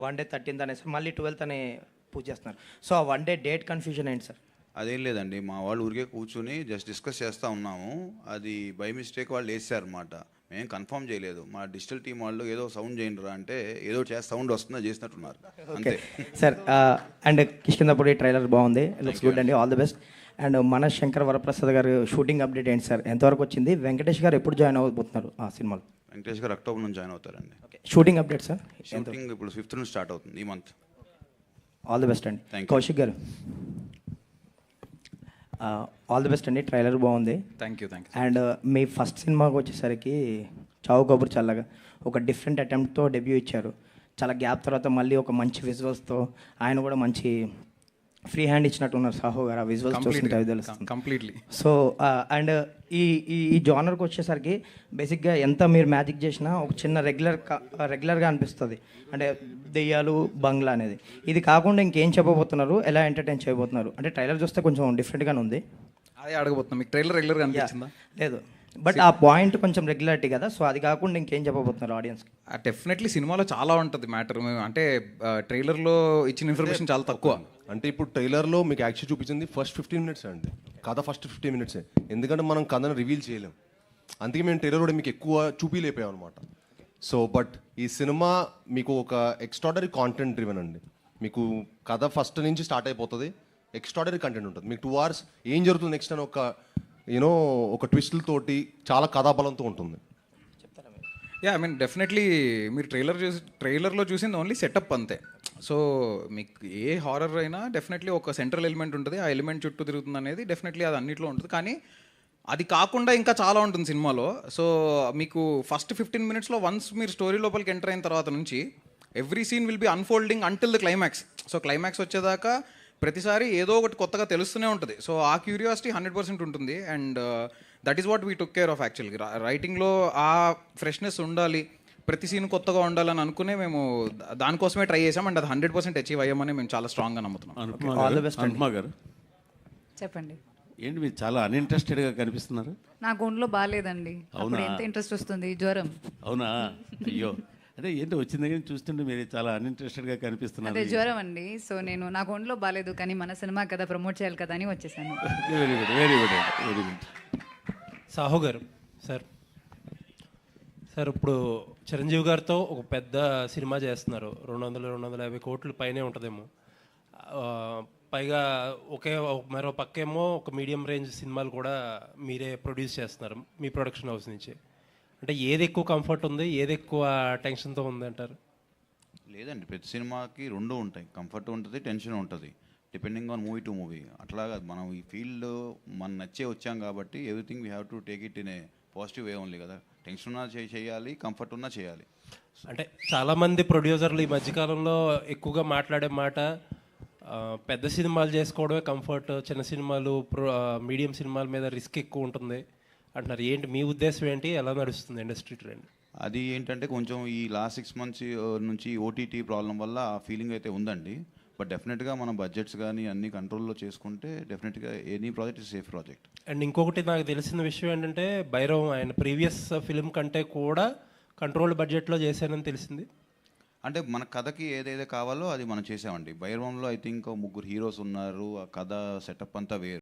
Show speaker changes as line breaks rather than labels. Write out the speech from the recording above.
One day 13th అనేసి మళ్ళీ 12th అని పూజ చేస్తున్నారు. సో ఆ వన్ డే డేట్ కన్ఫ్యూజన్ ఏంటి సార్?
అదేం లేదండి, మా వాళ్ళు ఊరికే కూర్చుని జస్ట్ డిస్కస్ చేస్తూ ఉన్నాము. అది బై మిస్టేక్ వాళ్ళు వేసారనమాట. మేము కన్ఫర్మ్ చేయలేదు. మా డిజిటల్ టీం వాళ్ళు ఏదో సౌండ్ చేయండి రా అంటే ఏదో సౌండ్ వస్తుందో చేసినట్టున్నారు అంతే.
సార్ అండ్ కిష్కిందపూడి ట్రైలర్ బాగుంది, లుక్స్ గుడ్ అండి, ఆల్ ది బెస్ట్. అండ్ మన శంకర్ వరప్రసాద్ గారు షూటింగ్ అప్డేట్ ఏంటి సార్, ఎంతవరకు వచ్చింది? వెంకటేష్ గారు ఎప్పుడు జాయిన్ అవ్వబోతున్నారు ఆ సినిమాలో?
వెంకటేష్ గారు అక్టోబర్ నుంచి జాయిన్ అవుతారండి.
Shooting update sir?
షూటింగ్ ఇప్పుడు 5th నుంచి స్టార్ట్ అవుతుంది ఈ మంత్.
ఆల్ ది బెస్ట్ అండి.
Thank you.
కౌశిక్ గారు ఆల్ ది బెస్ట్ అండి, ట్రైలర్ బాగుంది.
Thank you.
అండ్ మీ ఫస్ట్ సినిమాకి వచ్చేసరికి చావు కబుర్ చల్లగా ఒక డిఫరెంట్ అటెంప్ట్తో డెబ్యూ ఇచ్చారు. చాలా గ్యాప్ తర్వాత మళ్ళీ ఒక మంచి విజువల్స్తో ఆయన కూడా మంచి ఫ్రీ హ్యాండ్ ఇచ్చినట్టు ఉన్నారు సాహో గారు. ఆ విజువల్స్ చూస్తుంటే అవి తెలుస్తుంది
కంప్లీట్లీ.
సో అండ్ ఈ ఈ జానర్కి వచ్చేసరికి బేసిక్గా ఎంత మీరు మ్యాజిక్ చేసినా ఒక చిన్న రెగ్యులర్గా అనిపిస్తుంది. అంటే దెయ్యాలు బంగ్లా అనేది. ఇది కాకుండా ఇంకేం చెప్పబోతున్నారు, ఎలా ఎంటర్టైన్ చేయబోతున్నారు? అంటే ట్రైలర్ చూస్తే కొంచెం డిఫరెంట్గానే ఉంది.
అదే అడగబోతున్నా, మీకు ట్రైలర్ రెగ్యులర్గా అనిపించిందా?
లేదు, బట్ ఆ పాయింట్ కొంచెం రెగ్యులారిటీ కదా, సో అది కాకుండా ఇంకేం చెప్పబోతున్నారు ఆడియన్స్కి?
డెఫినెట్లీ సినిమాలో చాలా ఉంటుంది మ్యాటర్. అంటే ట్రైలర్లో ఇచ్చిన ఇన్ఫర్మేషన్ చాలా తక్కువ.
అంటే ఇప్పుడు ట్రైలర్లో మీకు యాక్చువల్ చూపించింది ఫస్ట్ 15 minutes అండి, కథ ఫస్ట్ 15 minutes. ఎందుకంటే మనం కథను రివీల్ చేయలేం, అందుకే మేము ట్రైలర్ కూడా మీకు ఎక్కువ చూపిలేపాం అనమాట. సో బట్ ఈ సినిమా మీకు ఒక ఎక్స్ట్రాడనరీ కాంటెంట్ డ్రివెన్ అండి. మీకు కథ ఫస్ట్ నుంచి స్టార్ట్ అయిపోతుంది, ఎక్స్ట్రాడనరీ కంటెంట్ ఉంటుంది. మీకు 2 hours ఏం జరుగుతుంది నెక్స్ట్ అని ఒక ట్విస్టులతోటి చాలా కథాబలంతో ఉంటుంది.
ఐ మీన్ డెఫినెట్లీ మీరు ట్రైలర్లో చూసింది ఓన్లీ సెటప్ అంతే. సో మీకు ఏ హారర్ అయినా డెఫినెట్లీ ఒక సెంట్రల్ ఎలిమెంట్ ఉంటుంది, ఆ ఎలిమెంట్ చుట్టూ తిరుగుతుంది అనేది డెఫినెట్లీ అది అన్నింటిలో ఉంటుంది. కానీ అది కాకుండా ఇంకా చాలా ఉంటుంది సినిమాలో. సో మీకు ఫస్ట్ 15 minutesలో వన్స్ మీరు స్టోరీ లోపలికి ఎంటర్ అయిన తర్వాత నుంచి every scene will be unfolding until the climax. So climax వచ్చేదాకా ప్రతిసారి ఏదో ఒకటి కొత్తగా తెలుస్తూనే ఉంటుంది. సో ఆ క్యూరియాసిటీ 100% ఉంటుంది. And that is what we took care of యాక్చువల్గా. రైటింగ్లో ఆ ఫ్రెష్నెస్ ఉండాలి, ప్రతి సీన్ కొత్తగా ఉండాలని అనుకునే మేము దానికోసమే ట్రై చేసాం. అండ్ అది 100% అచీవ్ అయ్యామని మేము చాలా స్ట్రాంగ్గా నమ్ముతున్నాం.
అనుపమ గారు
చెప్పండి.
ఏంటి మీరు చాలా అన్ఇంట్రెస్టెడ్గా కనిపిస్తున్నారు?
నాకు ఒంట్లో బాగాలేదండి. అప్పుడు ఎంత ఇంట్రెస్ట్ వస్తుంది, జ్వరం.
అవునా? అయ్యో, అదే ఏంటి వచ్చిన దగ్గర చూస్తుంటే మీరు చాలా అన్ఇంట్రెస్టెడ్గా కనిపిస్తున్నారు.
అదే జ్వరం అండి. సో నాకు ఒంట్లో బాగాలేదు, కానీ మన సినిమా కదా ప్రమోట్ చేయాలి కదా అని వచ్చేసాను.
Very good, very good, very good.
సాహో గారు సార్ ఇప్పుడు చిరంజీవి గారితో ఒక పెద్ద సినిమా చేస్తున్నారు. 200-250 కోట్ల పైనే ఉంటుందేమో. పైగా మరో పక్కేమో ఒక మీడియం రేంజ్ సినిమాలు కూడా మీరే ప్రొడ్యూస్ చేస్తున్నారు మీ ప్రొడక్షన్ హౌస్ నుంచి. అంటే ఏది ఎక్కువ కంఫర్ట్ ఉంది, ఏది ఎక్కువ టెన్షన్తో ఉంది అంటారు?
లేదండి, ప్రతి సినిమాకి 2 ఉంటాయి. కంఫర్ట్ ఉంటుంది, టెన్షన్ ఉంటుంది, depending on movie to movie. అట్లాగా మనం ఈ ఫీల్డ్ మన నచ్చే వచ్చాం కాబట్టి everything we have to take it in a positive way only కదా. టెన్షన్ ఉన్నా చేయాలి, కంఫర్ట్ ఉన్నా చేయాలి.
అంటే చాలామంది ప్రొడ్యూసర్లు ఈ మధ్యకాలంలో ఎక్కువగా మాట్లాడే మాట పెద్ద సినిమాలు చేసుకోవడమే కంఫర్ట్, చిన్న సినిమాలు మీడియం సినిమాల మీద రిస్క్ ఎక్కువ ఉంటుంది అంటున్నారు. ఏంటి మీ ఉద్దేశం ఏంటి? ఎలా నడుస్తుంది ఇండస్ట్రీ ట్రెండ్?
అది ఏంటంటే కొంచెం ఈ లాస్ట్ 6 months నుంచి ఓటీటీ ప్రాబ్లం వల్ల ఆ ఫీలింగ్ అయితే ఉందండి. బట్ డెఫినెట్గా మనం బడ్జెట్స్ కానీ అన్ని కంట్రోల్లో చేసుకుంటే డెఫినెట్గా any project is safe project.
And ఇంకొకటి నాకు తెలిసిన విషయం ఏంటంటే భైరవం ఆయన ప్రీవియస్ ఫిలిం కంటే కూడా కంట్రోల్డ్ బడ్జెట్లో చేశానని తెలిసింది.
అంటే మన కథకి ఏదైతే కావాలో అది మనం చేసామండి. భైరవంలో ఐ థింక్ 3 హీరోస్ ఉన్నారు, ఆ కథ సెటప్ అంతా వేరు.